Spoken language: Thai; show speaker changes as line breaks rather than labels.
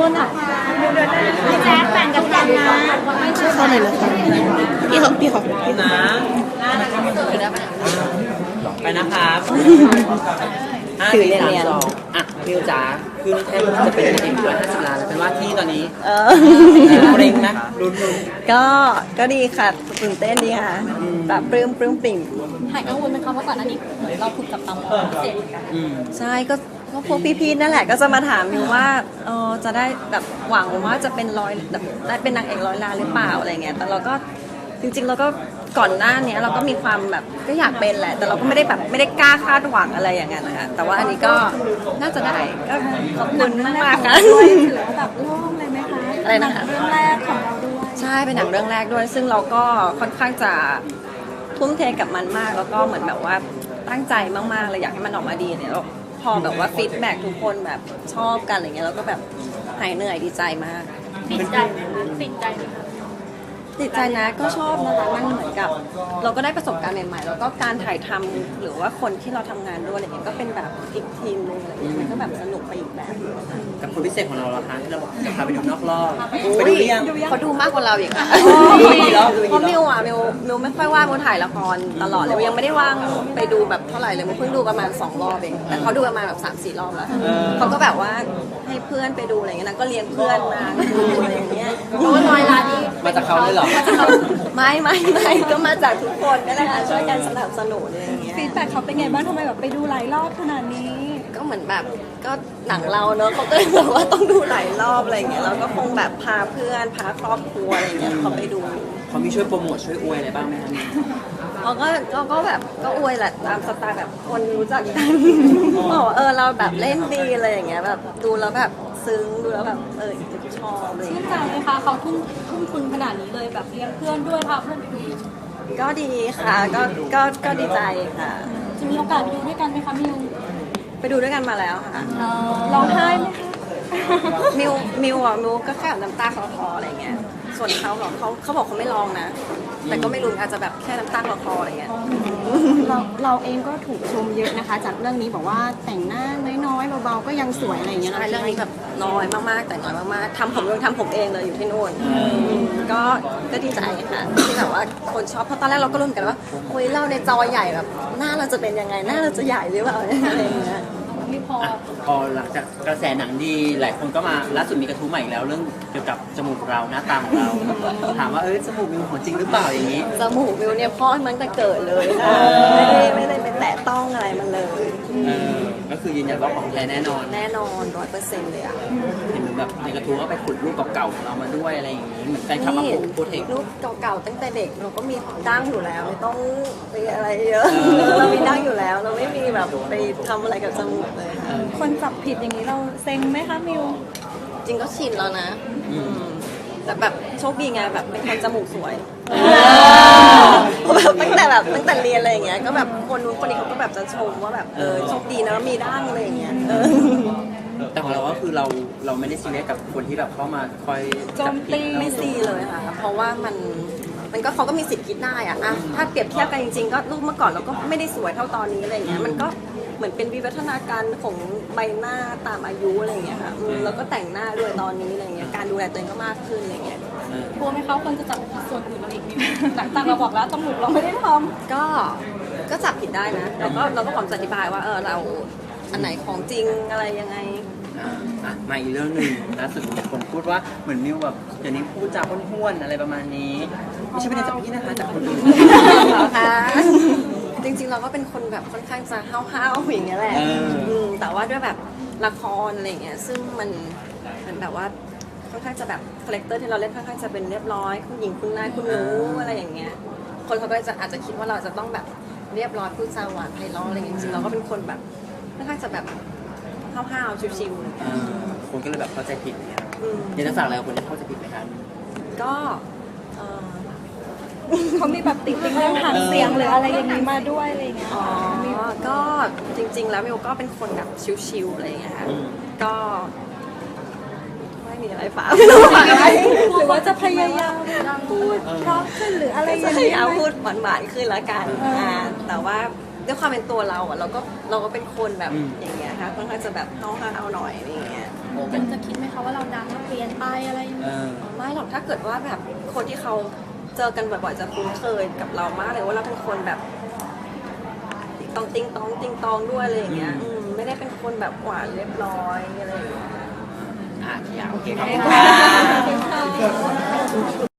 ษนะคะพี่แจ๊คแบ่งกันกันนะ
เข้าเลยนะคะพี่เขา
นะไปนะครับ5 4 3 2มิวจ๋าคือแทนจะเป็นเอง150 ล้านแล้วเป็นว่าที่ตอนนี้เร่งนะลุ้น
ก็ดีค่ะตื่นเต้นดีค่ะแบบปลื้มปิ่ม
หายกังวลไหมคะเพราะก่อนหน้านี้เราถูกจับตามองพิเศษ
ใช่ก็พวกพี่ๆนั่นแหละก็จะมาถามมิวว่าจะได้แบบหวังว่าจะเป็นได้เป็นนางเอก100 ล้านหรือเปล่าอะไรเงี้ยแต่เราก็จริงๆเราก็ก่อนหน้านี้เราก็มีความแบบก็อยากเป็นแหละแต่เราก็ไม่ได้กล้าคาดหวังอะไรอย่างเงี้ยนะคะแต่ว่าอันนี้ก็น่าจะได้ก็ขอบคุณมากๆค่ะ
ด้วยถือว่าแบบโล่งเลยไหมคะ
อะไรนะคะ
เรื่องแรกของเราด้วย
ใช่เป็นหนังเรื่องแรกด้วยซึ่งเราก็ค่อนข้างจะทุ่มเทกับมันมากแล้วก็เหมือนแบบว่าตั้งใจมากๆเลยอยากให้มันออกมาดีเนี่ยแล้วพอแบบว่าฟีดแบ็กทุกคนแบบชอบกันอะไรเงี้ยเราก็แบบหายเหนื่อยดีใจมาก
ติดใจติดใจไหมคะ
ติดใจนะก็ชอบนะคะมันเหมือนกับเราก็ได้ประสบการณ์ใหม่ๆแล้วก็การถ่ายทำหรือว่าคนที่เราทำงานด้วยอะไรเงี้ยก็เป็นแบบอีกทีมนึงอะไรเงี้ยมันก็แบบสนุกไปอีกแบบ
กับคนพิเศษของเราล่ะคะที่เราบอกจะพาไปดูนอกรอบไปดูยัง
เขาดูมากกว่าเราอีกค่ะเพราะมิวไม่ค่อยว่างมิวถ่ายละครตลอดเลยยังไม่ได้ว่างไปดูแบบเท่าไหร่เลยมิวเพิ่งดูประมาณ2 รอบเองแต่เขาดูประมาณแบบ3-4 รอบแล้วเขาก็แบบว่าให้เพื่อนไปดูอะไรเงี้ยนะก็เลี้ยงเพื่อนมาดูอะไรอย่างเงี้ยเพราะว่า100 ล้านนี่
มาจากเขาเลยเหรอ
ไม่ก็มาจากทุกคนนั่นแหละค่ะช่วยกันสนับสนุนอะไรอย่างเงี้ย
ฟีดแบ็กเขาเป็นไงบ้างทำไมแบบไปดูหลายรอบขนาดนี้
ก็เหมือนแบบก็หนังเราเนอะเขาก็เลยบอกว่าต้องดูหลายรอบอะไรอย่างเงี้ยเราก็คงแบบพาเพื่อนพาครอบครัวอะไรอย่างเงี้ยเขาไปดู
เขามีช่วยโปรโมทช่วยอวยอะไรบ้างไหมคะ
เขาก็แบบก็อวยแหละตามสไตล์แบบคนรู้จักกันบอกว่าเราแบบเล่นดีอะไรอย่างเงี้ยแบบดูแล้วแบบซึ้งดูแล้วแบบชอบเลย
ชื่นใจเลยค่ะเขาทุ่มทุนขนาดนี้เลยแบบเลี้ยงเพื่อนด้วยค่ะเพื่อน
ก็ดีค่ะก็ดีใจค่ะ
จะมีโอกาสไปดูด้วยกันไหมคะมิว
ไปดูด้วยกันมาแล้วค่ะ
ร้องไห้ไหมคะ
มิวก็แค่น้ำตาคลออะไรเงี้ยส่วนเขาบอกเขาบอกเขาไม่ร้องนะแต่ก็ไม่รู้อาจจะแบบแค่น้ำตาคลออะไรเงี้ย
เราเองก็ถูกชมเยอะนะคะจากเรื่องนี้บอกว่าแต่งหน้าน้อยๆเบาๆก็ยังสวยอะไรอย่างเงี้ย
ใช่เรื่องนี้แบบน้อยมากๆแต่น้อยมากๆทำผมเองเลยอยู่ที่นู่นก็ดีใจค่ะที่แบบว่าคนชอบเพราะตอนแรกเราก็ลุ้นกันว่าโอ้ยเราในจอใหญ่แบบหน้าเราจะเป็นยังไงหน้าเราจะใหญ่หรือเปล่าอะไรอย่างเงี้ย
พอหลังจากกระแสหนังดีหลายคนก็มาล่าสุดมีกระทู้ใหม่อีกแล้วเรื่องเกี่ยวกับจมูกเราหน้าตาของเราถามว่าจมูกมิวของจริงหรือเปล่าอย่างนี้
จมูกมิวเนี่ยพ่อมันแต่เกิดเลยไม่ได้ไปแตะต้องอะไรมันเลย
ก็คือยืนยันว่าของแท้แน่นอน
100%เลยอ่ะ
เห็นแบบในกระทู้ก็ไปขุดรูปเก่าๆของเรามาด้วยอะไรอย่างนี้เหมือนแฟนคลับมาโพสต์
รูปเก่าๆตั้งแต่เด็กเราก็มีดั้งอยู่แล้วไม่ต้องไปอะไรเยอะเรามีดั้งอยู่แล้วเราไม่มีแบบไปทำอะไรกับจมูกเลย
คนจับผิดอย่างนี้เราเซ็งไหมคะมิว
จริงก็ชินแล้วนะแต่แบบโชคดีไงแบบเป็นคนจมูกสวยตั้งแต่เรียนอะไรอย่างเงี้ยก็แบบคนนู้นคนนี้เขาก็แบบจะชมว่าแบบโชคดีนะมีดั้งอะไรอย่างเงี้ย
แต่ของเราก็คือเราไม่ได้ซีเรียสกับคนที่แบบเข้ามาคอย
โจมตีไม่ซีเลยค่ะเพราะว่ามันก็เขาก็มีสิทธิ์คิดได้อะถ้าเปรียบเทียบกันจริงๆก็รูปเมื่อก่อนเราก็ไม่ได้สวยเท่าตอนนี้อะไรอย่างเงี้ยมันก็เหมือนเป็นวิวัฒนาการของใบหน้าตามอายุอะไรอย่างเงี้ยค่ะแล้วก็แต่งหน้าด้วยตอนนี้อะไรอย่างเงี้ยการดูแลตัวเองก็มากขึ้นอะไรอย่างเงี้ย
กลัวไหมเขาคนจะจับส่วนอื่นเราอีกนิดหลังจากเราบอกแล้วจมูกเราไม่ได้ท
ำก็จับผิดได้นะเราก็พร้อมจะอธิบายว่าเราอันไหนของจริงอะไรยังไง
มาอีกเรื่องหนึ่งล่าสุดมีคนพูดว่าเหมือนมิวแบบเดี๋ยวนี้พูดจาห้วนๆอะไรประมาณนี้ไม่ใช่เป็นจากพี่นะคะจากคนอื่น
ค่ะจริงๆเราก็เป็นคนแบบค่อนข้างจะห้าวๆอย่างเงี้ยแหละแต่ว่าด้วยแบบละครอะไรอย่างเงี้ยซึ่งมันแบบว่าค่อนข้างจะแบบคาแรคเตอร์ที่เราเล่นค่อนข้างจะเป็นเรียบร้อยคุณหญิงคุณนายคุณหนูอะไรอย่างเงี้ยคนเขาก็อาจจะคิดว่าเราจะต้องแบบเรียบร้อยพูดจาหวานไพเราะอะไรอย่างเงี้ยจริงๆเราก็เป็นคนแบบค่อนข้างจะแบบห้าวๆชิว
ๆคนก็เลยแบบเข้าใจผิดเนี่ยอยากจะฝากอะไรกับคนที่เข้าใจผิดไหมครับ
ก็
เขามีแบบติดเรื่องหางเสียงหรืออะไรอย่างนี้มาด้วยอะไรอย่างเงี้ย
ก็จริงๆแล้วมิวก็เป็นคนแบบชิวๆอะไรอย่างเงี้ยค่ะก็ไม่มีอะไรฝาก
หรือว่าจะพยายามพูดเพราะขึ้นหรืออะไรอย่างเงี้ย
พูดหวานๆขึ้นละกันแต่ว่าด้วยความเป็นตัวเราเราก็เป็นคนแบบอย่างเงี้ยค่ะค่อนข้างจะแบบห้าวๆหน่อยอะไรอย่างเงี้ย
ยังจะคิดไหมคะว่าเราดังแล้วเปลี่ยนไปอะไรอย่าง
เอ
เงี้ย
อ
ไม่หรอกถ้าเกิดว่าแบบคนที่เขาเจอกันบ่อยๆจะคุ้นเคยกับเรามากเลยว่าเราเป็นคนแบบติ๊งตองติ๊งตองด้วยอะไรอย่างเงี้ยไม่ได้เป็นคนแบบหวานเรียบร้อยอะไรอย่างเงี้ย
โอเคขอบคุณค่ะ